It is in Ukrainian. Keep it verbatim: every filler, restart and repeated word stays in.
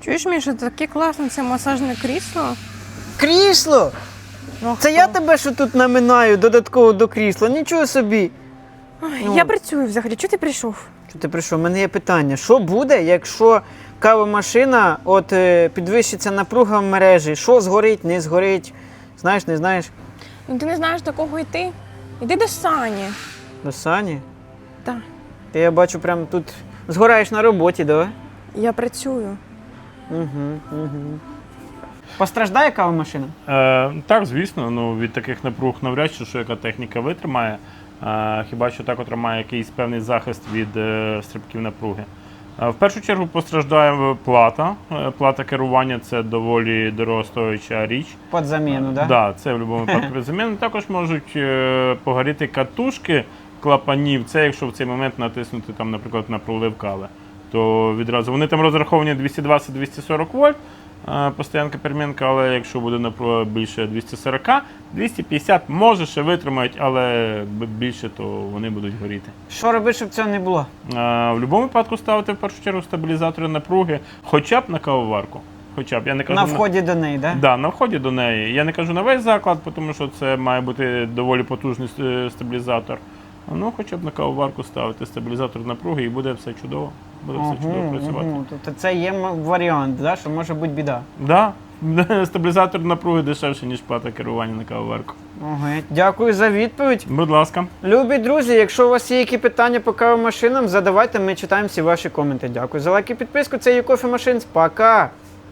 Чуєш, Міша, таке класне це масажне крісло. Крісло? Ну, Це я тебе що тут наминаю додатково до крісла? Нічого собі. Ой, Ну. Я працюю взагалі. Чого ти прийшов? Що ти прийшов? У мене є питання. Що буде, якщо кавомашина от е, підвищиться напруга в мережі? Що згорить, не згорить? Знаєш, не знаєш? Ну ти не знаєш, до кого йти? Іди до Сані. До Сані? Так, Ти, я бачу, прям тут згораєш на роботі, давай? я працюю. Угу, угу. Постраждає кавомашина? Е, так, звісно, ну, від таких напруг навряд чи що яка техніка витримає. Е, хіба що так отримає якийсь певний захист від е, стрибків напруги. Е, в першу чергу постраждає плата. Е, плата керування – це доволі дорогостояча річ. Під заміну, так? Так, да, це в будь-якому випадку під заміну. Також можуть е, погоріти катушки клапанів. Це якщо в цей момент натиснути, там, наприклад, на пролив кави. То відразу вони там розраховані двісті двадцять - двісті сорок вольт. Постоянка перемінка, але якщо буде напруга більше двісті сорок, двісті п'ятдесят може ще витримають, але більше, то вони будуть горіти. Що робити, щоб цього не було? А, в будь-якому випадку ставити в першу чергу стабілізатори напруги, хоча б на кавоварку. Хоча б, я не кажу, На вході до неї, так? Да, на вході до неї. Я не кажу на весь заклад, тому що це має бути доволі потужний е, стабілізатор. Ну, хоча б на кавоварку ставити стабілізатор напруги і буде все чудово. Буде все чудово працювати. Угу. Тобто це є м- варіант, да? Що може бути біда. Да. Стабілізатор напруги дешевше, ніж плата керування на кавоварку. Ага. Дякую за відповідь. Будь ласка. Любі друзі, якщо у вас є які питання по кавомашинам, задавайте, ми читаємо всі ваші коменти. Дякую за лайк і підписку. Це YouCoffee Machines. Пока!